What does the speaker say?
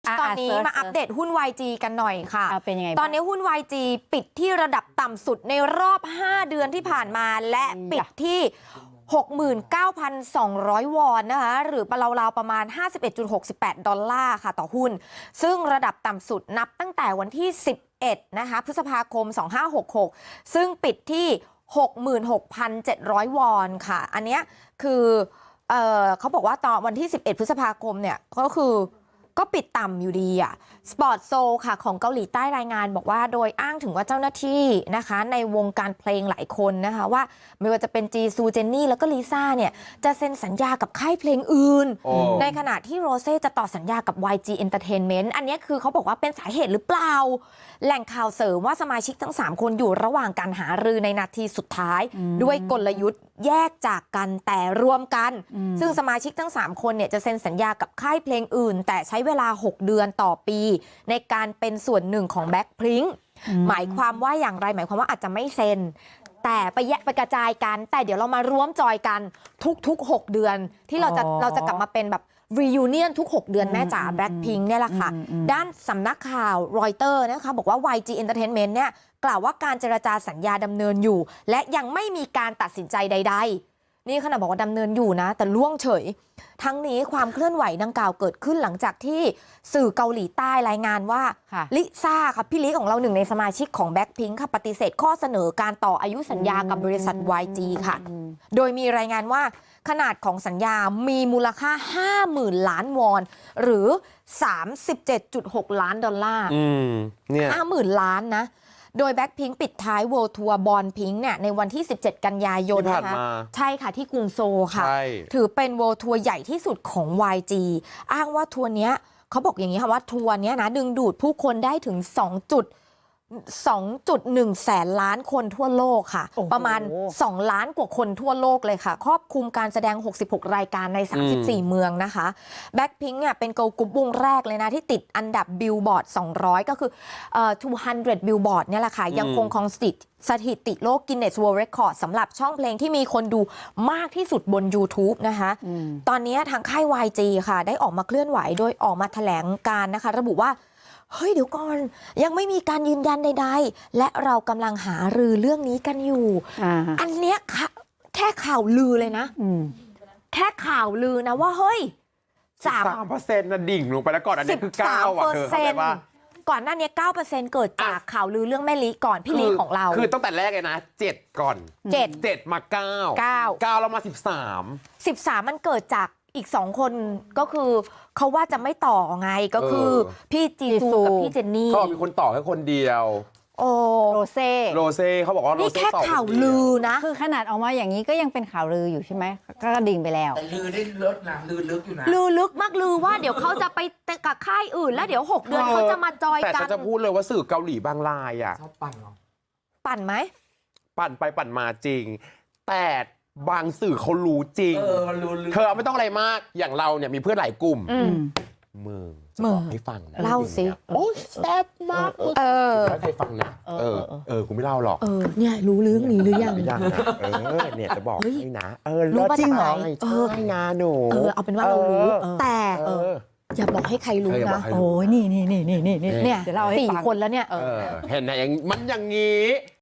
ตอนนี้มาอัปเดตหุ้น YG กันหน่อยค่ะเป็นยังไงตอนนี้หุ้น YG ปิดที่ระดับต่ำสุดในรอบ 5 เดือนที่ผ่านมาและปิดที่ 69,200 วอนนะคะหรือราวๆประมาณ 51.68 ดอลลาร์ค่ะต่อหุ้นซึ่งระดับต่ำสุดนับตั้งแต่วันที่11นะคะพฤษภาคม2566ซึ่งปิดที่ 66,700 วอนค่ะอันเนี้ยคือเขาบอกว่าตอนวันที่11พฤษภาคมเนี่ยก็ปิดต่ำอยู่ดีอ่ะสปอร์ตโซค่ะของเกาหลีใต้รายงานบอกว่าโดยอ้างถึงว่าเจ้าหน้าที่นะคะในวงการเพลงหลายคนนะคะว่าไม่ว่าจะเป็นจีซูเจนนี่แล้วก็ลิซ่าเนี่ยจะเซ็นสัญญากับค่ายเพลงอื่นในขณะที่โรเซ่จะต่อสัญญากับ YG Entertainment อันนี้คือเขาบอกว่าเป็นสาเหตุหรือเปล่าแหล่งข่าวเสริมว่าสมาชิกทั้ง3คนอยู่ระหว่างการหารือในนาทีสุดท้ายด้วยกลยุทธ์แยกจากกันแต่รวมกันซึ่งสมาชิกทั้ง3คนเนี่ยจะเซ็นสัญญากับค่ายเพลงอื่นแต่ใช้เวลา6เดือนต่อปีในการเป็นส่วนหนึ่งของ Blackpink หมายความว่าอย่างไรหมายความว่าอาจจะไม่เซ็นแต่ไปกระจายกันแต่เดี๋ยวเรามาร่วมจอยกันทุก6เดือนที่เราจะกลับมาเป็นแบบ reunion ทุก6เดือนแม่จ๋า Blackpink เนี่ยแหละค่ะด้านสำนักข่าวรอยเตอร์นะคะบอกว่า YG Entertainment เนี่ยกล่าวว่าการเจรจาสัญญาดำเนินอยู่และยังไม่มีการตัดสินใจใดๆนี่ขณะบอกว่าดำเนินอยู่นะแต่ล่วงเฉยทั้งนี้ความเคลื่อนไหวดังกล่าวเกิดขึ้นหลังจากที่สื่อเกาหลีใต้รายงานว่าลิซ่าค่ะพี่ลิของเราหนึ่งในสมาชิกของ Blackpink ค่ะปฏิเสธข้อเสนอการต่ออายุสัญญากับบริษัท YG ค่ะโดยมีรายงานว่าขนาดของสัญญามีมูลค่า 50,000 ล้านวอนหรือ 37.6 ล้านดอลลาร์เนี่ย 50,000 ล้านนะโดย Blackpink ปิดท้าย World Tour Born Pink เนี่ยในวันที่17กันยายนนะคะใช่ค่ะที่กรุงโซลค่ะถือเป็น World Tour ใหญ่ที่สุดของ YG อ้างว่าทัวร์เนี้ยเขาบอกอย่างนี้ค่ะว่าทัวร์เนี้ยนะดึงดูดผู้คนได้ถึง 2.1 แสนล้านคนทั่วโลกค่ะประมาณ2ล้านกว่าคนทั่วโลกเลยค่ะครอบคลุมการแสดง66รายการใน34เมืองนะคะ Blackpink เนี่ยเป็นเกิร์ลกรุ๊ปวงแรกเลยนะที่ติดอันดับ Billboard 200ก็คือ200 Billboard เนี่ยแหละค่ะยังคงครองสถิติโลก Guinness World Record สำหรับช่องเพลงที่มีคนดูมากที่สุดบน YouTube นะคะตอนนี้ทางค่าย YG ค่ะได้ออกมาเคลื่อนไหวโดยออกมาแถลงการนะคะระบุว่าเฮ้ยเดี๋ยวก่อนยังไม่มีการยืนยันใดๆและเรากำลังหารือเรื่องนี้กันอยู่อันเนี้ยแค่ข่าวลือเลยนะแค่ข่าวลือนะว่าเฮ้ย 3%นะดิ่งลงไปแล้วก่อนอันนี้คือ9%อ่ะเธอเข้าใจป่ะก่อนหน้านี้ 9% เกิดจากข่าวลือเรื่องแม่ลิก่อนพี่ลิของเราคือตั้งแต่แรกเลยนะ7ก่อน7มา9แล้วมา13 มันเกิดจากอีก2คนก็คือเขาว่าจะไม่ต่อไงก็คือพี่จีซูกับพี่เจนนี่เขามีคนต่อแค่คนเดียวโรเซ่เขาบอกว่าโรเซ่แค่ข่าวลือนะคือขนาดออกมาอย่างนี้ก็ยังเป็นข่าวลืออยู่ใช่ไหมก็ดิ่งไปแล้วแต่ลือได้ลึกนะลือลึกอยู่นะลือลึกมากลือว่าเดี๋ยวเขาจะไปกับค่ายอื่นแล้วเดี๋ยว6เดือนเขาจะมาจอยกันแต่จะพูดเลยว่าสื่อเกาหลีบางรายอ่ะชอบปั่นหรอปั่นไหมปั่นไปปั่นมาจริงแต่บางสื่อเขารู้จริงเธอไม่ต้องอะไรมากอย่างเราเนี่ยมีเพื่อนหลายกลุ่มมึงให้ฟังนะเล่าสิโอ้ยแซ่บมากไม่เคยฟังนะกูไม่เล่าหรอกเนี่ยรู้เรื่องนี้หรือยังนะเนี่ยจะบอกให้นะรู้จริงเหรอใช่งานหนูเอาเป็นว่าเรารู้แต่อย่าบอกให้ใครรู้นะโอ้ยนี่เนี่ย4 คนแล้วเนี่ยเห็นไหมมันอย่างนี้